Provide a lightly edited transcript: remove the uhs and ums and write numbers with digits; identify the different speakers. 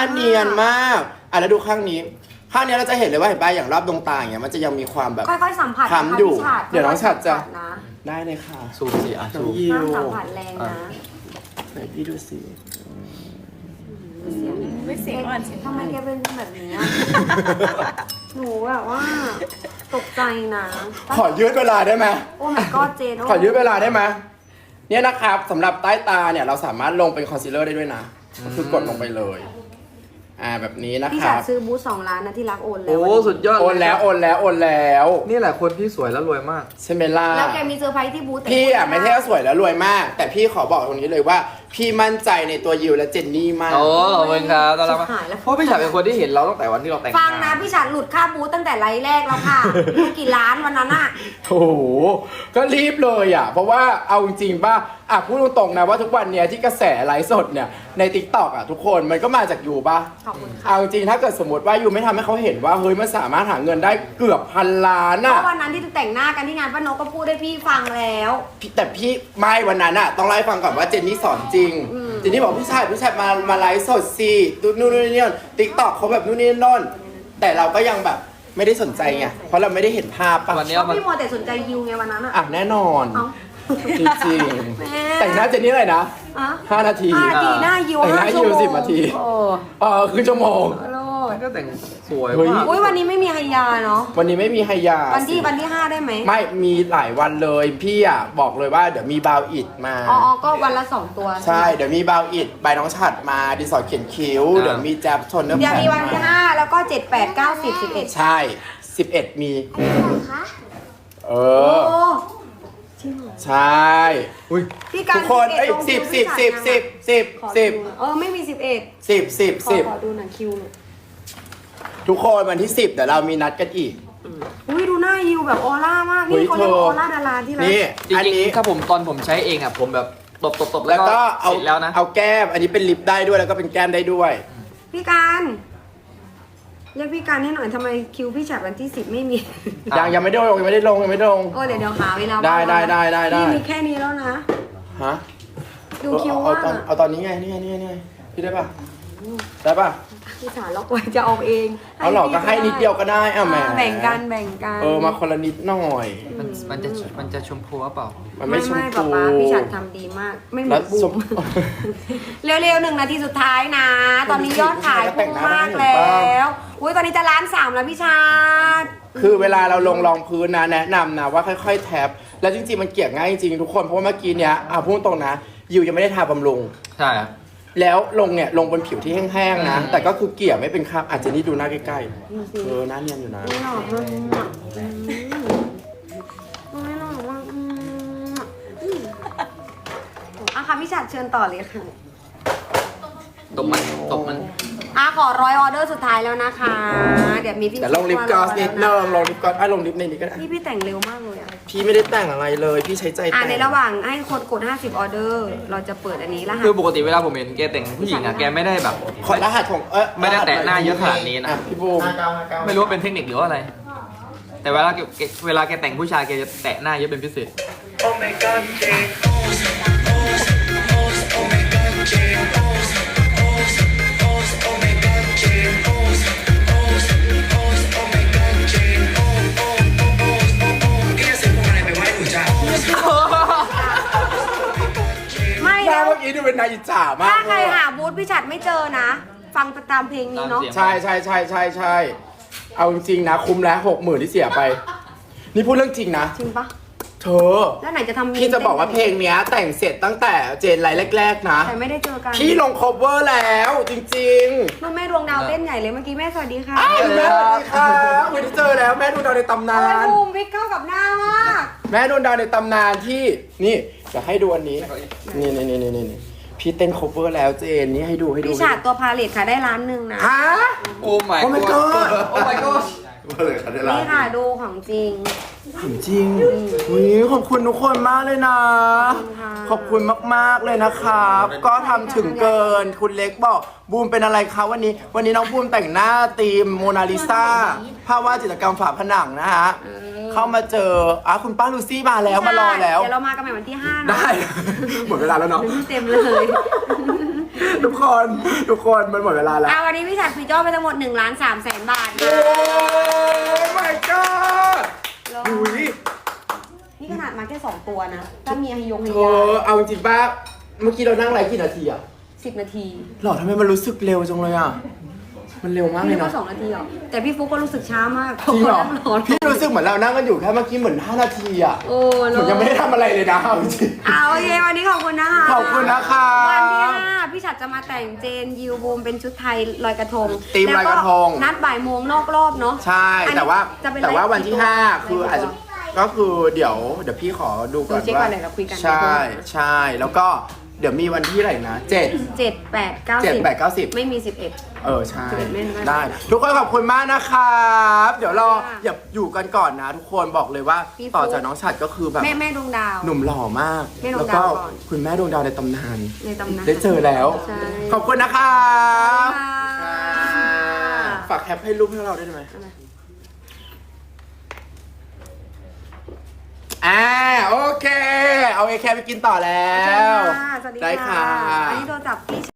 Speaker 1: เนียนมากแล้วดูข้างนี้เราจะเห็นเลยว่าเห็นป่ะอย่างรอบดวงตาอย่างเงี้ยมันจะยังมีความแบบ
Speaker 2: ค่อยๆสัมผัส
Speaker 1: ค้ำอยู่
Speaker 2: นะคะ
Speaker 1: เดี๋ยวน้องฉัดจะ
Speaker 2: นะ
Speaker 1: ได้เลยค่ะ
Speaker 3: ซูมสิอ่ะ
Speaker 1: น้อ
Speaker 3: ซู
Speaker 1: ง
Speaker 3: ม
Speaker 1: ยิ
Speaker 2: ห้าม
Speaker 1: ว
Speaker 2: สัมผัสแรงนะ
Speaker 1: ไหนพี่ดูสิ
Speaker 4: ไม่เสียงอ่อนเสียง
Speaker 2: ทำไมแกเป็นแบบนี้อะ หนูแบบว่าตกใจนะ
Speaker 1: ขอยืดเวลาได้ไหม
Speaker 2: โอ้ my god เจน
Speaker 1: ขอยืดเวลาได้ไหมเนี่ยนะครับสำหรับใต้ตาเนี่ยเราสามารถลงเป็นคอนซีลเลอร์ได้ด้วยนะก็คือกดลงไปเลยแบบนี้นะ
Speaker 2: พี่
Speaker 1: ค
Speaker 2: ฉั
Speaker 1: รั
Speaker 2: ด
Speaker 1: บ
Speaker 2: ซื้อบูธ2 ล้านนะที่รักโอนแล้ว
Speaker 3: โอ้สุดยอด
Speaker 1: โอนแล้ว
Speaker 3: นี่แหละคนที่สวยแล้วรวยมาก
Speaker 1: ใช่ไหมล่ะ
Speaker 2: แล้วแกมีเซอร์ไพรส์ที่บูธแต่
Speaker 1: พี่ไม่ใช่ว่าสวยแล้วรวยมาก แต่พี่ขอบอกตรงนี้เลยว่า พี่มั่นใจในตัวยิวและเจนนี่มาก
Speaker 3: โอ้ขอบคุณครับต้อนรับ
Speaker 2: หายแล้ว
Speaker 3: เพราะพี่ฉันเป็นคนที่เห็นเราตั้งแต่วันที่เราแต่ง
Speaker 2: ฟังนะพี่ฉัดหลุดค่าบูธตั้งแต่ไลฟ์แรกแล้วค่ะ ดูกี่ล้านวันนั้นอะ
Speaker 1: โอ้โหก็รีบเลยเพราะว่าเอาจริงๆป่ะพูดตรงๆนะว่าทุกวันเนี้ยที่กระแสไลฟ์สดเนี่ยใน TikTok ทุกคนมันก็มาจากยูป่ะ
Speaker 2: ขอบคุณค่ะ
Speaker 1: เอาจริงถ้าเกิดสมมติว่ายูไม่ทำให้เขาเห็นว่าเฮ้ยมันสามารถหาเงินได้เกือบ1,000,000,000
Speaker 2: เพราะวันนั้นที่แต่งหน้ากันที่งานป้านกก็พูดให้พี่ฟังแล้ว
Speaker 1: แต่พี่ไม่วันนั้นต้องเล่าให้ฟังก่อนว่าเจนนี่สอนจริงเจนนี่บอกพี่ชายมาไลฟ์สดสินู่นนี่ติ๊กต็อกเขาแบบนู่นนี่นั่นแต่เราก็ยังแบบไม่ได้สนใจไงเพราะเราไม่ได้เห็นภาพป่ะ
Speaker 3: วันนี้
Speaker 2: เพราะ
Speaker 3: มัน
Speaker 2: พี่มัวแต่สนใจยิวไงวันนั้นอะ
Speaker 1: แน่นอน
Speaker 2: เอ้า
Speaker 1: จริง
Speaker 2: แม่
Speaker 1: ๆแต่งหน้าเจนนี่เลยนะ
Speaker 2: อะ
Speaker 1: 5 นาที
Speaker 2: 5 นาทีหน้ายิว
Speaker 1: แต่งหน้า
Speaker 2: 5 ชั่ว
Speaker 1: ยิว
Speaker 2: โมง
Speaker 1: 10 นาที
Speaker 2: โอ้
Speaker 1: ครึ่งชั่วโมง
Speaker 2: โลด
Speaker 3: ก็แต่งสวย
Speaker 1: เฮ้ย
Speaker 3: มาก
Speaker 2: อุ้ยวันนี้ไม่มีไฮยาเนาะ
Speaker 1: วันนี้ไม่มีไฮยา
Speaker 2: วันที่5ได้ไหม
Speaker 1: ไม่มีหลายวันเลยพี่บอกเลยว่าเดี๋ยวมีบาวอิดมา
Speaker 2: อ๋อก็วันละ 2 ตัว
Speaker 1: ใช่ เดี๋ยวมีบาวอิดใบน้องฉัดมาดินสอเขียนคิ้ว เดี๋ยวมีแจ๊บชนเนื้อ
Speaker 2: เดี๋ยว
Speaker 1: แผ่
Speaker 2: มีวันที่ 5 แล้วก็ 7 8 9 10 11
Speaker 1: ใช่ 11 มี เอ
Speaker 2: โอ้
Speaker 1: อ ใช่
Speaker 3: อุ้ย
Speaker 2: พี่การ
Speaker 1: ทุกคนเอ้ย
Speaker 2: ลงคิว
Speaker 1: 10
Speaker 2: พี่ฉัน
Speaker 1: 10
Speaker 2: ขอ
Speaker 1: 10
Speaker 2: ดู
Speaker 1: 10
Speaker 2: เออไม่มี 11
Speaker 1: 10
Speaker 2: ขอ
Speaker 1: 10
Speaker 2: ดูหน่อยคิวหน่อย
Speaker 1: 10 ทุกคนวันที่ 10 เดี๋ยวเรามีนัดกันอีก
Speaker 2: อุ้ยดูหน้ายิวแบบออร่ามาก
Speaker 1: เฮ้
Speaker 2: นี่
Speaker 1: ย
Speaker 2: เขาเรียกว่า
Speaker 1: เธอ
Speaker 2: ออร่าดาราที่รัก
Speaker 1: นี่
Speaker 3: จริ
Speaker 1: อัน
Speaker 3: ง
Speaker 1: นี้
Speaker 3: ๆถ้าผมตอนผมใช้เองผมแบบตบๆๆ
Speaker 1: แล้วก็
Speaker 3: เสร็จแล้วนะ
Speaker 1: เอาแก้ม อันนี้เป็นลิปได้ด้วยแล้วก็เป็นแก้มได้ด้วย
Speaker 2: พี่การเรียกพี่การให้หน่อยทำไมคิวพี่ฉัดวันที่ 10 ไม่มี
Speaker 1: ยังไม่ได้ลงยังไม่ได้ลง
Speaker 2: โอ้เดี๋ยวหาเวลา
Speaker 1: ได้
Speaker 2: ว่าง
Speaker 1: ได้
Speaker 2: นี่มีแค่นี้แล้วนะ
Speaker 1: ฮะ
Speaker 2: ดูคิว
Speaker 1: เอา
Speaker 2: ว่า
Speaker 1: เอาตอนนี้ไงนี่พี่ได้ป่ะ ได้ป่ะ
Speaker 2: พี่สารล็อกไว้จะเอาเอง
Speaker 1: เอาหรอกก็ให้นิดเดียวก็ได้แหม
Speaker 2: แบ่งกัน
Speaker 1: มาคนละนิดหน่อย
Speaker 3: มันจะชมพูหรือเปล่า
Speaker 1: มันไม่ชม
Speaker 2: ป๊า
Speaker 1: พู
Speaker 2: ป๊าพี่ฉัดทำดีมาก ไม่เหมื
Speaker 1: แล้
Speaker 2: อ
Speaker 1: วน
Speaker 2: บู
Speaker 1: ช
Speaker 2: ม
Speaker 1: ม
Speaker 2: เร็วๆ1 นาทีสุดท้ายนะ ตอนนี้ยอดขายพุ่งมากแล้วอุ้ยตอนนี้จะ1,300,000แล้วพี่ชาด
Speaker 1: คือเวลาเราลงรองพื้นนะแนะนำนะว่าค่อยๆแท็บแล้วจริงๆมันเกลี่ยง่ายจริงๆทุกคนเพราะว่าเมื่อกี้เนี้ยพูดตรงนะยิวยังไม่ได้ทาบำรุง
Speaker 3: ใช่ครับ
Speaker 1: แล้วลงเนี่ยลงบนผิวที่แห้งๆนะแต่ก็คือเกลี่ยไม่เป็นคราบอาจจะนี่ดูหน้าใกล้ๆหน้าเนียนอยู่นะ
Speaker 2: ไม่หล่อมากไม่หล่อมากอ่ะค่ะพี่ฉัดเชิญต่อเลยค่ะ
Speaker 3: ตบมัน
Speaker 2: ขอ100 ออเดอร์สุดท้ายแล้วนะคะ เดี๋ยวมีพี่
Speaker 1: แต่ลงลิปกลอสนิดนึงลงลิปกลอสลงลิปในนี้ก็ได้
Speaker 2: พี่แต่งเร็วมากเลยอ่ะ
Speaker 1: พี่ไม่ได้แต่งอะไรเลยพี่ใช้ใจแต่ง
Speaker 2: ในระหว่างให้คนกด50 ออเดอร์ เราจะเปิดอันนี้แล้ว
Speaker 3: คือปกติเวลาผมเห็นแกแต่งผู้หญิงแกไม่ได้แบบ
Speaker 1: ขอรหัสของ
Speaker 3: ไม่ได้แตะหน้าเยอะขนาดนี้นะ
Speaker 1: พี่บูม
Speaker 3: ไม่รู้ว่าเป็นเทคนิคหรือว่าอะไร แต่เวลาแกแต่งผู้ชายแกจะแตะหน้าเยอะเป็นพิเศษ
Speaker 2: ไม่
Speaker 1: หน้า
Speaker 2: แล้ว
Speaker 1: เมื่อกี้ดูเป็นนายอิจฉามาก
Speaker 2: ถ้าใครหาบูธพี่ฉัดไม่เจอนะ ฟังตามเพลงนี้เนาะ
Speaker 1: ใช่เอาจริงๆนะคุ้มแล้ว60,000ที่เสียไป นี่พูดเรื่องจริงนะ
Speaker 2: จริงปะ
Speaker 1: เธอ
Speaker 2: แล้วไหนจะทำ
Speaker 1: พี่จะบอกว่าเพลงเนี้ยแต่งเสร็จตั้งแต่เจนไลน์แรกๆนะ
Speaker 2: แต่ไม่ได้เจอกัน
Speaker 1: พี่ลง cover แล้วจริง
Speaker 2: นู่นแม่ดวงดาวเต้นใหญ่เลยเมื่อกี้แม่สวัสดีค่ะ
Speaker 1: ๆอ้าวแม่สวัสดีค่ะไม่ได้เจอแล้วแม่ดวงดาวในตำนา
Speaker 2: โอ้ย
Speaker 1: น
Speaker 2: บูมวิกเข้ากับหน้ามาก
Speaker 1: แม่ดวงดาวในตำนานที่นี่จะให้ดูอันนี้นี่พี่เต้น cover แล้วเจนนี่ให้ดู
Speaker 2: พี่ฉัดตัวพาเลทค่ะได้1 ล้านนะ
Speaker 1: ฮะ
Speaker 3: โอ้ my
Speaker 1: Oh my god
Speaker 3: โอ้ my god
Speaker 2: นี่ค่ะดูของจริง
Speaker 1: ถามจริงขอบคุณทุกคนมากเลยนะ ขอบคุณมากๆเลยนะครับ ก็ทำถึงเกิน คุณเล็กบอกบูมเป็นอะไรคะวันนี้น้องบูมแต่งหน้าธีมโมนาลิซาภาพวาดจิตรกรรมฝาผนังนะฮะ เข้ามาเจอคุณป้าลูซี่มาแล้วมารอแล้ว
Speaker 2: เดี๋ยวเรามากันใหม่วันที่5นะ
Speaker 1: ได้ หมดเวลาแล้วเนาะ
Speaker 2: เต็มเลย
Speaker 1: ทุกคนมันหมดเวลาแล้ว
Speaker 2: วันนี้พี่ฉัดฟีเจอร์ไปทั้งหมด1,300,000 บาท
Speaker 1: โอ้ my god ดูดิ
Speaker 2: นี่ขนาดมาแค่2ตัวนะถ้ามีไฮยงไฮ
Speaker 1: เธ
Speaker 2: ยา
Speaker 1: อเอาจริงๆป่ะเมื่อกี้เรานั่งไลฟ์กี่นาทีอะ
Speaker 2: 10 นาที
Speaker 1: หรอทำไมมันรู้สึกเร็วจังเลยอะมันเร็วมากเล
Speaker 2: พี่
Speaker 1: ย
Speaker 2: ก็
Speaker 1: นะ
Speaker 2: 2 นาทีหรอแต่พี่ฟุกก็รู้สึกช้ามาก
Speaker 1: จริงเหรอ
Speaker 2: พาะว่านั่งรอ
Speaker 1: พี่รู้สึกเหมือนเรานั่งกันอยู่แค่เมื่อกี้เหมือน5 นาทีอะ
Speaker 2: โอ้
Speaker 1: เหมือนยังไม่ได้ทำอะไรเลยนะเอาจริง
Speaker 2: โอเควันนี้ขอบคุณนะคะ
Speaker 1: ขอบคุณนะคะ
Speaker 2: วันที่5พี่ฉัดจะมาแต่งเจนยิวบูมเป็นชุดไทยลอยกระทง
Speaker 1: ธีมลอยกระทง
Speaker 2: แล้วนัดบ่ายโมงนอกรอบเนาะ
Speaker 1: ใช่
Speaker 2: อันนี้
Speaker 1: แต่ว่า
Speaker 2: จะเป็น
Speaker 1: แต่ว่า
Speaker 2: ไลฟ์
Speaker 1: วันที่
Speaker 2: กี่ตัว
Speaker 1: 5 คืออาจจะก็คือเดี๋ยวพี่ขอดูก่อน
Speaker 2: เช็คก่
Speaker 1: ว่า
Speaker 2: อนเลยเราคุยกัน
Speaker 1: ใช่ใช่แล้วก็เดี๋ยวมีวันที่อะไรนะ7
Speaker 2: 7 8 9
Speaker 1: 7 8 9 10
Speaker 2: ไม่มี 11
Speaker 1: ใช่
Speaker 2: 11ไม่ได้
Speaker 1: ได้ ทุกคนขอบคุณมากนะครับเดี๋ยวรอ
Speaker 2: ค่ะ
Speaker 1: อย่าอยู่กันก่อนนะ ทุกคนบอกเลยว่า
Speaker 2: พี่ฟุ๊ก
Speaker 1: ต่อจากน้องฉัดก็คือแบบ
Speaker 2: แม่ดวงดาว
Speaker 1: หนุ่มหล่อมาก
Speaker 2: แม่ดวง
Speaker 1: แล้วก็
Speaker 2: ดาวก่อน
Speaker 1: คุณแม่ดวงดาวในตำนาน
Speaker 2: ในตำนาน
Speaker 1: ได้เจอแล้ว
Speaker 2: ใช่
Speaker 1: ขอบคุณนะครับ
Speaker 2: ค่ะ
Speaker 1: ฝากแคปให้รูปให้เราได้ไหมโอเค เอาไอแคปไปกินต่อแล้ว
Speaker 2: สวัสดีค่ะ
Speaker 1: ได้ค่ะ
Speaker 2: อันนี้โทรศัพท์พี่